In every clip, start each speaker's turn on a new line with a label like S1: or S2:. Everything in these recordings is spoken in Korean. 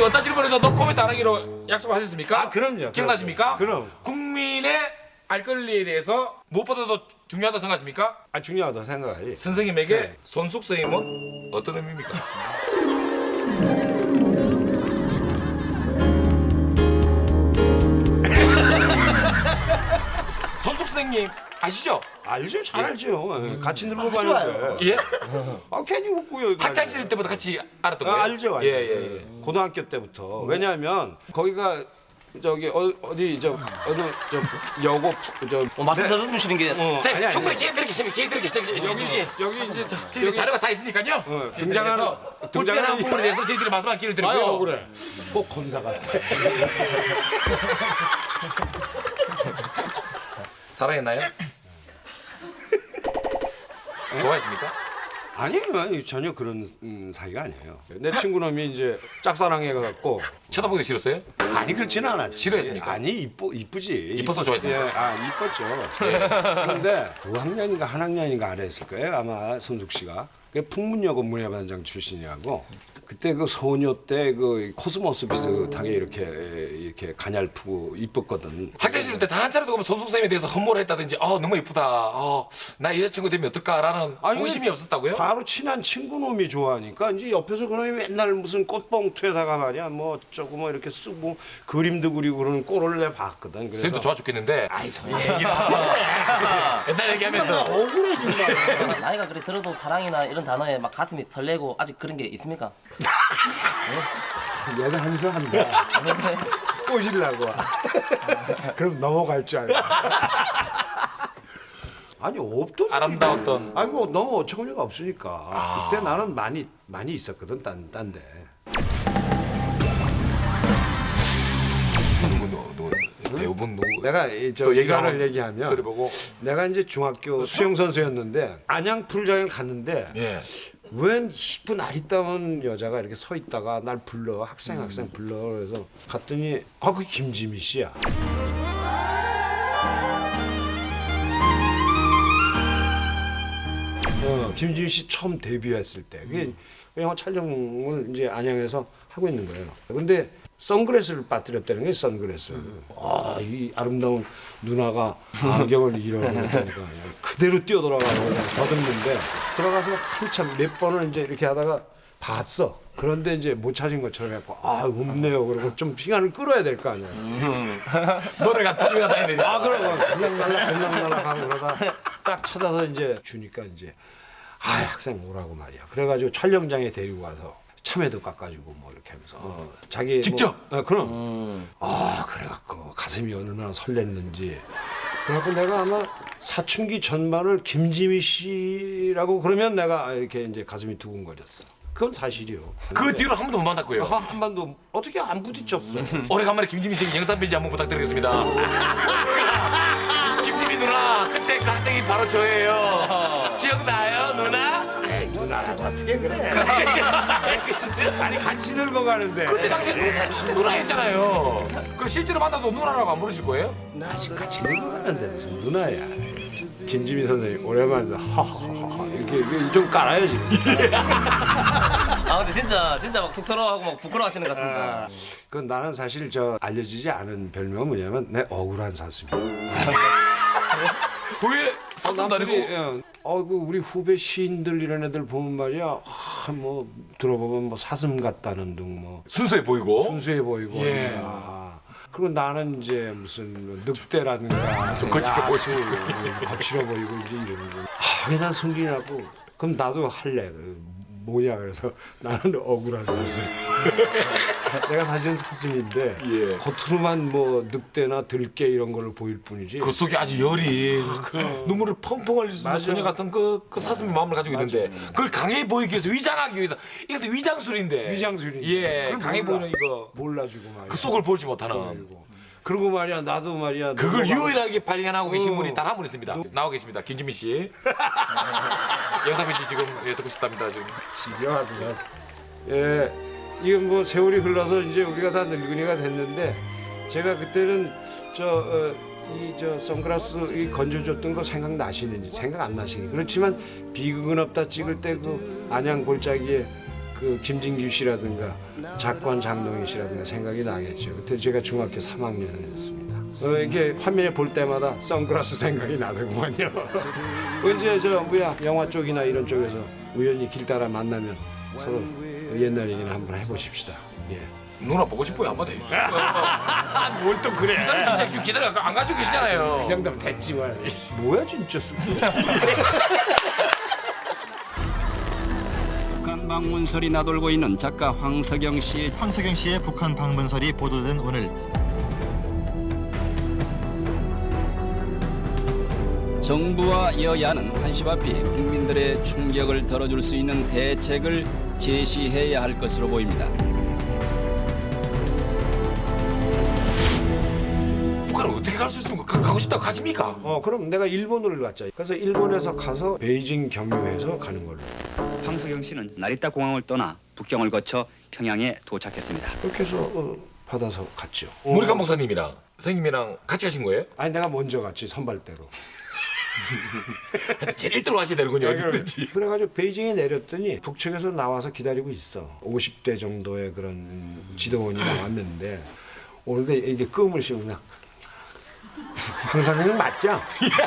S1: 어떤 질문에도 노 코멘트 안 하기로 약속하셨습니까?
S2: 아, 그럼요.
S1: 기억나십니까?
S2: 그럼.
S1: 국민의 알 권리에 대해서 무엇보다도 중요하다고 생각하십니까?
S2: 아, 중요하다고 생각하지.
S1: 선생님에게
S2: 네.
S1: 손숙 선생님은 어떤 의미입니까? 손숙 선생님 아시죠?
S2: 알죠, 잘 알죠. 예, 같이 놀고
S3: 아주
S2: 가는데.
S1: 예?
S2: 아, 괜히 웃고요.
S1: 학창 시절 때부터 같이 알았던 거예요?
S2: 알죠, 알죠.
S1: 예.
S2: 고등학교 때부터. 왜냐하면 거기가 저기 어디 저 어느 저 여고 저
S3: 말씀 더듬으시는 게
S1: 선생님
S2: 아니,
S1: 충분히
S2: 아니.
S1: 기회 드리겠습니다.
S2: 여기 이제
S1: 저희 자료가 다 있으니까요.
S2: 등장하는
S1: 불편한 부분에 대해서 저희들이 말씀할 기회를 드리고요.
S2: 아유, 억울해. 꼭 검사 같아.
S1: 사랑했나요? 좋아했습니까?
S2: 아니 전혀 그런 사이가 아니에요. 내 친구놈이 이제 짝사랑해갖고
S1: 쳐다보기 싫었어요?
S2: 아니 그렇지는 않았지.
S1: 싫어했습니까?
S2: 아니 이쁘지.
S1: 이뻐서 좋아했습니까?
S2: 예, 아 이뻤죠. 그런데 2학년인가 한 학년인가 아래였을 거예요. 아마 손숙 씨가. 그 풍문여고 문예반장 출신이라고. 그때 그 소녀 때 그 코스모스 비슷하게 이렇게 가냘프고 이뻤거든.
S1: 학창 시절 때 다 한 차례도 보면 손숙 쌤에 대해서 험모를 했다든지 너무 이쁘다. 나 여자친구 되면 어떨까라는
S2: 아니,
S1: 호심이 없었다고요?
S2: 바로 친한 친구놈이 좋아하니까 이제 옆에서 그놈이 맨날 무슨 꽃봉투에다가 말이야 뭐 조금 뭐 이렇게 쓰고 그림도 그리고 그러는 꼴을 내 봤거든. 그래서
S1: 쌤도 좋아 죽겠는데 아이 선 얘기를 옛날 얘기하면서
S2: 억울해 정말.
S3: 나이가 그래 들어도 사랑이나 이런 단어에 막 가슴이 설레고 아직 그런 게 있습니까?
S2: 얘가 한수 한다. 꼬시려고. 그럼 넘어갈 줄 알고. 아니 없던
S1: 아름다웠던
S2: 아니 뭐 너무 어처구니가 없으니까. 그때 나는 많이 있었거든 딴데.
S1: 누구 배우분 누구
S2: 내가 저
S1: 또 얘기
S2: 일화를
S1: 한번
S2: 얘기하면
S1: 들어보고
S2: 내가 이제 중학교 수영 선수였는데 안양 풀장에 갔는데
S1: 예.
S2: 웬 10분 아리따운 여자가 이렇게 서 있다가 날 불러 학생 불러 그래서 갔더니 그 김지미 씨야. 김지미 씨 처음 데뷔했을 때 그게 영화 촬영을 이제 안양에서 하고 있는 거예요. 근데 선글라스를 빠뜨렸다는 게 선글라스. 이 아름다운 누나가 안경을 잃어버렸다니까 그대로 뛰어들어가고 그냥 더듬는데 들어가서 한참 몇 번을 이제 이렇게 하다가 봤어. 그런데 이제 못 찾은 것처럼 해갖고 없네요. 그러고 좀 시간을 끌어야 될 거 아니야.
S1: 노래가 다녀야 되냐?
S2: 그러고 그냥 날락 하고 그러다 딱 찾아서 이제 주니까 이제 학생 오라고 말이야. 그래가지고 촬영장에 데리고 가서 참외도 깎아주고 뭐 이렇게 하면서 자기
S1: 직접?
S2: 그럼 그래갖고 가슴이 얼마나 설렜는지 그래갖고 내가 아마 사춘기 전반을 김지미 씨라고 그러면 내가 이렇게 이제 가슴이 두근거렸어. 그건 사실이요.
S1: 그 뒤로 한 번도 못 만났고요.
S2: 한 번도 어떻게 안 부딪혔어.
S1: 오래간만에 김지민 씨 영상 편지 한번 부탁드리겠습니다. 김지민 누나 그때 그 학생이 바로 저예요. 기억나요 누나?
S2: 누나라고 어떻게 그래. 아니 같이 늙어가는데.
S1: 그때 당시 누나 했잖아요. 그럼 실제로 만나도 누나라고 안 부르실 거예요?
S2: 아직 같이 늙어가는데 무슨 누나야. 김지미 선생님 오랜만에 하하하하 이렇게 좀 깔아야지.
S3: 근데 진짜 막 쑥스러워하고 막 부끄러워하시는 것 같습니다.
S2: 그건 나는 사실 저 알려지지 않은 별명은 뭐냐면 내 억울한 사슴이야.
S1: 왜 사슴도 아니고?
S2: 그 우리 후배 시인들 이런 애들 보면 말이야, 뭐 들어보면 뭐 사슴 같다는 등 뭐
S1: 순수해 보이고
S2: 순수해 보이고.
S1: 예.
S2: 그리고 나는 이제 무슨 늑대라든가
S1: 좀 거칠게
S2: 야수, 뭐 거칠어 보이고 이제 이러는 거. 왜난 성질이 나고 그럼 나도 할래. 뭐냐 그래서 나는 억울한 사슴. 내가 사실은 사슴인데
S1: 예.
S2: 겉으로만 뭐 늑대나 들깨 이런 거를 보일 뿐이지.
S1: 그 속에 아주 여린 눈물을 펑펑 흘릴 수 있는
S2: 맞아.
S1: 소녀 같은 그 사슴의 마음을 가지고 있는데 그걸 강해 보이기 위해서 위장하기 위해서 이것은 위장술인데
S2: 위장술인데.
S1: 예
S2: 그걸
S1: 강해
S2: 몰라.
S1: 보이는 이거
S2: 몰라주고 말이야.
S1: 그 속을 보지 못하는
S2: 몰라주고. 그리고 말이야 나도 말이야
S1: 그걸
S2: 넘어가고
S1: 유일하게 발견하고 계신 분이 단 한 분 있습니다. 나오고 계십니다. 김지민 씨. 영상 편지 지금 듣고 싶답니다. 지금.
S2: 지겨하구나. 예, 이건 뭐 세월이 흘러서 이제 우리가 다 늙은이가 됐는데 제가 그때는 저 선글라스 이 건져줬던 거 생각나시는지 생각 안 나시니 그렇지만 비극은 없다 찍을 때 그 안양 골짜기에 그 김진규 씨라든가 작관 장동희 씨라든가 생각이 나겠죠. 그때 제가 중학교 3학년이었습니다. 이게 화면에 볼 때마다 선글라스 생각이 나더구만요. 언제 영화 쪽이나 이런 쪽에서 우연히 길 따라 만나면 서로 옛날 얘기나 한번 해보십시다. 예.
S1: 누나 보고 싶어요 한번 해.
S2: 뭘 또 그래?
S1: 기다려 안 가지고 계시잖아요.
S2: 이 정도면 됐지만 뭐야 진짜
S4: 북한 방문설이 나돌고 있는 작가 황석영 씨의
S5: 황석영 씨의 북한 방문설이 보도된 오늘
S4: 정부와 여야는 한시바삐 국민들의 충격을 덜어줄 수 있는 대책을 제시해야 할 것으로 보입니다.
S1: 북한은 어떻게 갈 수 있습니까? 가고 싶다고 가십니까?
S2: 그럼 내가 일본을 갔자. 그래서 일본에서 가서 베이징 경유해서 가는 걸로.
S6: 황석영 씨는 나리타 공항을 떠나 북경을 거쳐 평양에 도착했습니다.
S2: 그렇게 해서 받아서 갔죠.
S1: 모리칸 목사님이랑 선생님이랑 같이 가신 거예요?
S2: 아니 내가 먼저 갔지 선발대로.
S1: 제일 1등으로 하셔야 되는군요 어디든지.
S2: 그래가지고 베이징에 내렸더니 북측에서 나와서 기다리고 있어. 50대 정도의 그런 지도원이 나왔는데 오는데 이게 끔을 씌우고 그냥 황선생님 맞죠?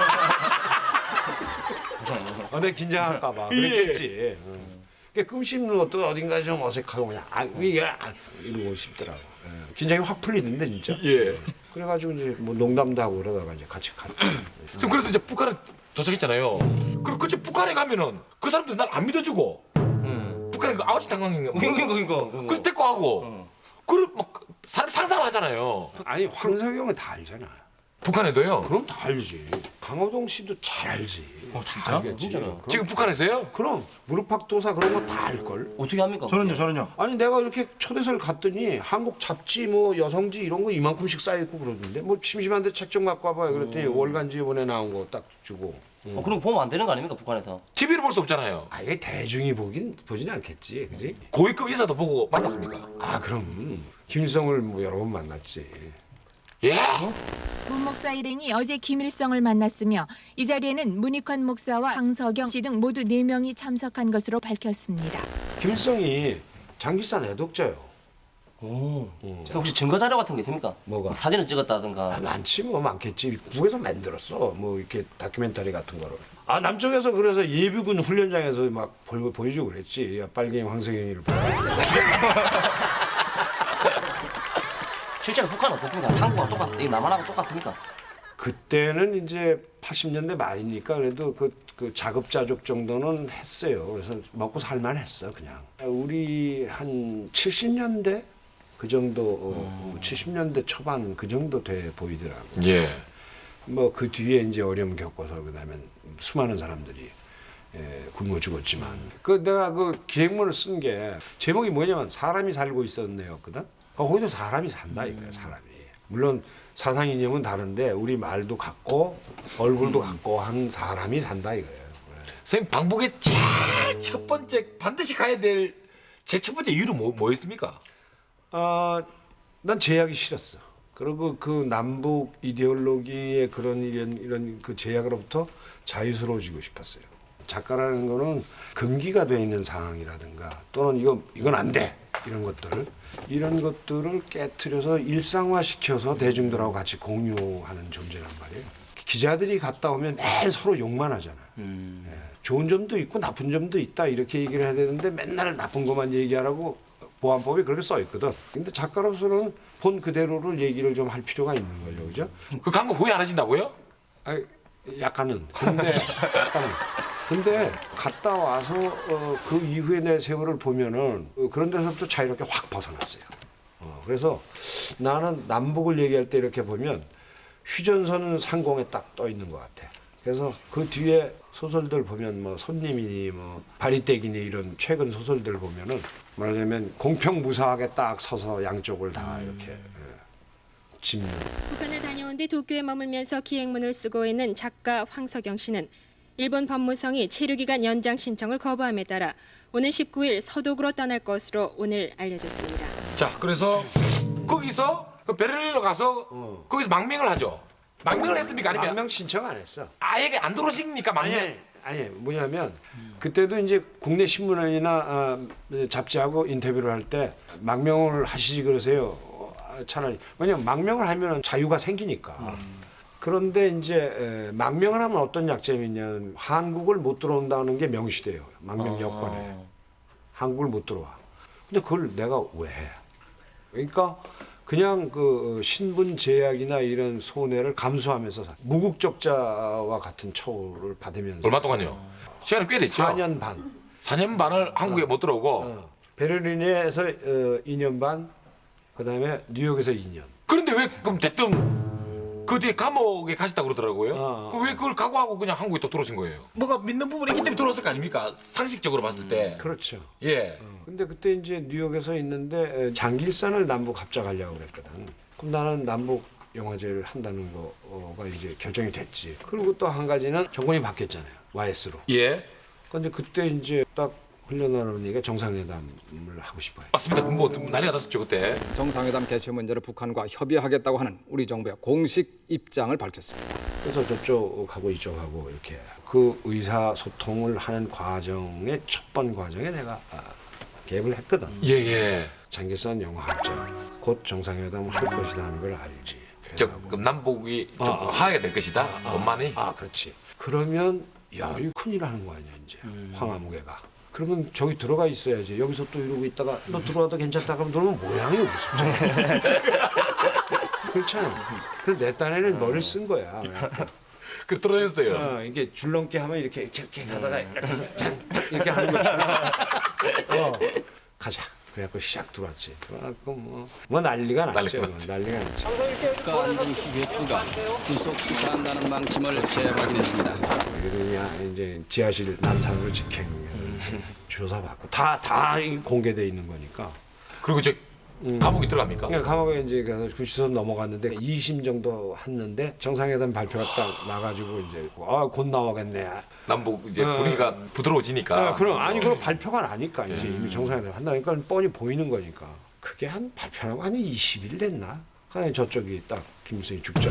S2: 내가 긴장할까봐 그랬겠지. 끔 씹는 것도 어딘가 좀 어색하고 그냥 이러고 싶더라고. 긴장이 확 풀리는데 진짜.
S1: 예.
S2: 그래가지고 이제 뭐 농담도 하고 그러다가 이제 같이 갔죠.
S1: 지금 그래서 이제 북한에 도착했잖아요. 그럼 그치 북한에 가면은 그 사람들 날 안 믿어주고 북한에 그 아우치 당황인가
S3: 그러니까.
S1: 그 데리고 하고 그럼 막 사람 상상을 하잖아요.
S2: 아니 황석영은 다 알잖아.
S1: 북한에도요.
S2: 그럼 다 알지. 강호동 씨도 잘 알지.
S5: 진짜?
S2: 알겠지. 그럼.
S1: 지금 북한에서요?
S2: 그럼 무릎팍도사 그런 거 다 알걸.
S3: 어떻게 합니까?
S5: 저는요.
S2: 아니 내가 이렇게 초대서를 갔더니 한국 잡지 뭐 여성지 이런 거 이만큼씩 쌓여있고 그러던데 뭐 심심한데 책 좀 갖고 와봐요. 그랬더니 월간지 이번에 나온 거 딱 주고.
S3: 그럼 보면 안 되는 거 아닙니까 북한에서?
S1: TV를 볼 수 없잖아요.
S2: 이게 대중이 보진 않겠지, 그지?
S1: 고위급 인사도 보고 만났습니까?
S2: 그럼 김일성을 뭐 여러 번 만났지.
S1: 예?
S7: 문 목사 일행이 어제 김일성을 만났으며 이 자리에는 문익환 목사와 황석영 씨 등 모두 4명이 참석한 것으로 밝혔습니다.
S2: 김일성이 장기산 애독자요.
S3: 혹시 증거 자료 같은 게 있습니까?
S2: 뭐가?
S3: 사진을 찍었다든가.
S2: 많지 뭐 많겠지. 국에서 만들었어. 뭐 이렇게 다큐멘터리 같은 거를. 남쪽에서 그래서 예비군 훈련장에서 막 보여주고 그랬지. 빨갱이 황석영이를 보고.
S3: 실제로 북한은 어떻습니까? 한국하고 남한하고 똑같습니까?
S2: 그때는 이제 80년대 말이니까 그래도 그 자급자족 정도는 했어요. 그래서 먹고 살만했어 그냥. 우리 한 70년대 그 정도 70년대 초반 그 정도 돼 보이더라고.
S1: 예.
S2: 뭐 그 뒤에 이제 어려움 겪어서 그다음에 수많은 사람들이 굶어 죽었지만 그 내가 그 기획문을 쓴 게 제목이 뭐냐면 사람이 살고 있었네였거든. 거기도 사람이 산다 이거야 사람이. 물론 사상 이념은 다른데 우리 말도 같고 얼굴도 같고 한 사람이 산다 이거예요.
S1: 선생님 방북의 제일 첫 번째 반드시 가야 될 제 첫 번째 이유는 뭐였습니까?
S2: 난 제약이 싫었어. 그리고 그 남북 이데올로기의 그런 이런 그 제약으로부터 자유스러워지고 싶었어요. 작가라는 거는 금기가 돼 있는 상황이라든가 또는 이건 안 돼. 이런 것들을 깨트려서 일상화시켜서 대중들하고 같이 공유하는 존재란 말이에요. 기자들이 갔다 오면 매일 서로 욕만 하잖아. 좋은 점도 있고 나쁜 점도 있다 이렇게 얘기를 해야 되는데 맨날 나쁜 것만 얘기하라고 보안법에 그렇게 써 있거든. 근데 작가로서는 본 그대로를 얘기를 좀 할 필요가 있는 거죠, 그죠?
S1: 그 광고 후회 안 하신다고요?
S2: 약간은. 근데 갔다 와서 그 이후에 내 세월을 보면은 그런 데서부터 자유롭게 확 벗어났어요. 그래서 나는 남북을 얘기할 때 이렇게 보면 휴전선은 상공에 딱 떠 있는 것 같아. 그래서 그 뒤에 소설들 보면 뭐 손님이니 뭐 바리떼기니 이런 최근 소설들 보면은 말하자면 공평무사하게 딱 서서 양쪽을 다 이렇게 짚는.
S8: 북한을 다녀온 뒤 도쿄에 머물면서 기획문을 쓰고 있는 작가 황석영 씨는 일본 법무성이 체류기간 연장 신청을 거부함에 따라 오는 19일 서독으로 떠날 것으로 오늘 알려졌습니다.
S1: 자, 그래서 거기서 그 베를린으로 가서 거기서 망명을 하죠. 망명을 했습니까? 아니면
S2: 망명 신청 안 했어.
S1: 아예 안 들어오십니까? 망명.
S2: 아니 뭐냐면 그때도 이제 국내 신문이나 잡지하고 인터뷰를 할 때 망명을 하시지 그러세요. 차라리 왜냐면 망명을 하면 자유가 생기니까. 그런데 이제 망명을 하면 어떤 약점이 있냐면 한국을 못 들어온다는 게 명시돼요. 망명 여건에. 한국을 못 들어와. 근데 그걸 내가 왜 해? 그러니까 그냥 그 신분 제약이나 이런 손해를 감수하면서 무국적자와 같은 처우를 받으면서
S1: 얼마 동안요? 시간이 꽤 됐죠.
S2: 4년 반.
S1: 4년 반을 한국에 못 들어오고.
S2: 베를린에서 2년 반, 그다음에 뉴욕에서 2년.
S1: 그런데 왜 그럼 대뜸 그 뒤에 감옥에 가시다 그러더라고요. 그럼 왜 그걸 각오하고 그냥 한국에 또 들어오신 거예요? 뭐가 믿는 부분이 있기 때문에 들어왔을 거 아닙니까? 상식적으로 봤을 때.
S2: 그렇죠.
S1: 예.
S2: 근데 그때 이제 뉴욕에서 있는데 장길산을 남북 합작하려고 그랬거든. 그럼 나는 남북 영화제를 한다는 거가 이제 결정이 됐지. 그리고 또 한 가지는 정권이 바뀌었잖아요. YS로.
S1: 예.
S2: 근데 그때 이제 딱 흘러나오는 얘기가 정상회담을 하고 싶어요.
S1: 맞습니다. 뭐 난리가 났었죠 그때.
S9: 정상회담 개최 문제를 북한과 협의하겠다고 하는 우리 정부의 공식 입장을 밝혔습니다.
S2: 그래서 저쪽하고 이쪽하고 이렇게 그 의사소통을 하는 과정의 첫 번 과정에 내가 개입을 했거든.
S1: 예예.
S2: 장길산 영화학자 곧 정상회담을 할 것이다 하는 걸 알지.
S1: 저 그럼 남북이 좀 화해가 될 것이다. 원만히.
S2: 그렇지. 그러면 야 이거 큰일 하는 거 아니야 이제 황화무게가. 그러면 저기 들어가 있어야지. 여기서 또 이러고 있다가 너 들어와도 괜찮다 그러면 들어오면 모양이 무섭잖아. 그렇잖아. 그래서 내 딴에는 머리를 쓴 거야.
S1: 그 떨어졌어요.
S2: 이게 줄넘기 하면 이렇게 가다가 이렇게 해서 짠 이렇게 하는 거지. 가자. 그래갖고 시작 들어왔지. 들어왔고 뭐 난리가 났죠. 난리가 났죠.
S4: 국가안전기획부가 구속 수사한다는 방침을 재확인했습니다.
S2: 그러냐 이제 지하실 난상으로 직행 조사받고 다 공개돼 있는 거니까.
S1: 그리고 저 감옥에 들어갑니까?
S2: 그러니까 감옥에 이제 가서 구치소 넘어갔는데 2심 정도 했는데 정상회담 발표가 딱 나가지고 이제 곧 나오겠네.
S1: 남북 이제 분위기가 부드러워지니까.
S2: 그럼 아니 그럼 발표가 나니까 이제 이미 정상회담 한다니까 뻔히 보이는 거니까. 그게 한 발표하고 한 20일 됐나? 그냥 저쪽이 딱 김일성이 죽죠.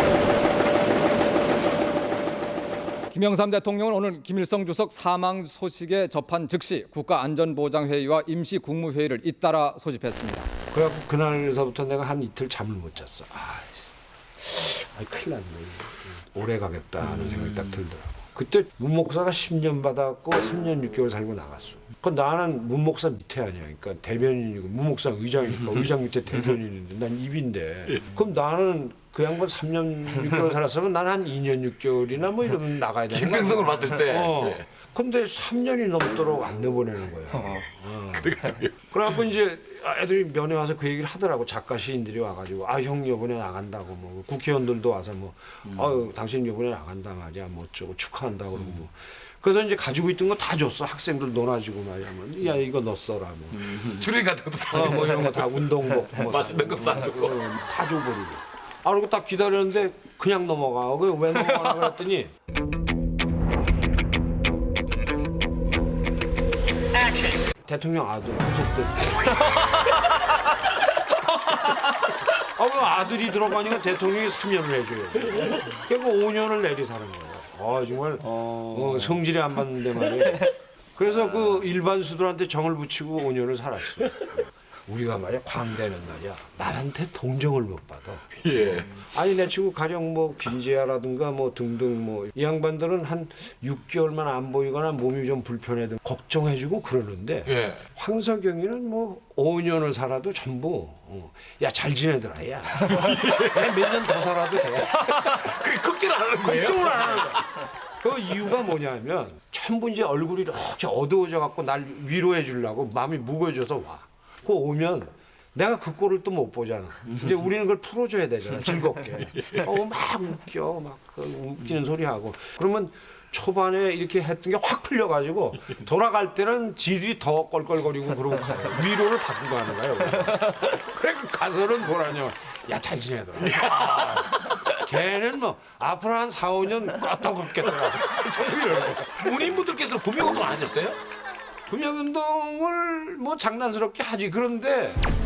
S9: 김영삼 대통령은 오늘 김일성 주석 사망 소식에 접한 즉시 국가안전보장회의와 임시국무회의를 잇따라 소집했습니다.
S2: 그래갖고 그날서부터 내가 한 이틀 잠을 못 잤어. 큰일 났네. 오래 가겠다는 생각이 딱 들더라고. 그때 문 목사가 10년 받았고 3년 6개월 살고 나갔어. 그 나는 문 목사 밑에 아니야. 그러니까 대변인이고 문 목사 의장이니까 의장 밑에 대변인인데 난 입인데. 그럼 나는 그 양반 3년 6개월 살았으면 난 한 2년 6개월이나 뭐 이러면 나가야 되는 거야.
S1: 김병성을 봤을 때. 예.
S2: 근데 3년이 넘도록 안 내보내는 거야. 그래갖고 이제 애들이 면회 와서 그 얘기를 하더라고. 작가 시인들이 와가지고 형 이번에 나간다고 뭐 국회의원들도 와서 뭐 당신 이번에 나간다 말이야 뭐 어쩌고 축하한다고 그러고 뭐. 그래서 이제 가지고 있던 거 다 줬어. 학생들 논아주고 말이야. 뭐. 야 이거 너 써라 뭐.
S1: 추리닝 같은 것도 다
S2: 뭐 이런 거 다 운동복 뭐
S1: 맛있는 거 다 주고.
S2: 다 줘버리고. 그리고 딱 기다렸는데 그냥 넘어가. 왜 넘어가나 그랬더니 대통령 아들 구속됐대. 왜 아들이 들어가니까 대통령이 3년을 해줘요. 그러니까 5년을 내리사는 거예요. 정말 성질이 안 받는데 말이에요. 그래서 그 일반 수들한테 정을 붙이고 5년을 살았어. 우리가 말이야 광대는 말이야 남한테 동정을 못 받아.
S1: 예.
S2: 아니 내 친구 가령 뭐 김지아라든가 뭐 등등 뭐 이 양반들은 한 6개월만 안 보이거나 몸이 좀 불편해도 걱정해주고 그러는데
S1: 예.
S2: 황석영이는 뭐 5년을 살아도 전부 야 잘 지내더라 야 몇 년 더 살아도 돼.
S1: 그게 걱정을 안 하는 거예요?
S2: 걱정을 안 하는 거야. 그 이유가 뭐냐면 전부 이제 얼굴이 이렇게 어두워져 갖고 날 위로해 주려고 마음이 무거워져서 와. 그 오면 내가 그 꼴을 또 못 보잖아. 이제 우리는 그걸 풀어줘야 되잖아. 즐겁게. 막 웃겨. 막 그 웃기는 소리 하고. 그러면 초반에 이렇게 했던 게 확 풀려가지고 돌아갈 때는 질이 더 껄껄거리고 그러고 가요. 위로를 받고 가는 거예요. 그래 가서는 뭐라냐. 야 잘 지내더라. 걔는 뭐 앞으로 한 4, 5년 껐다 걷겠더라.
S1: 문인분들께서는 구명운동 안 하셨어요?
S2: 금융운동을 뭐 장난스럽게 하지. 그런데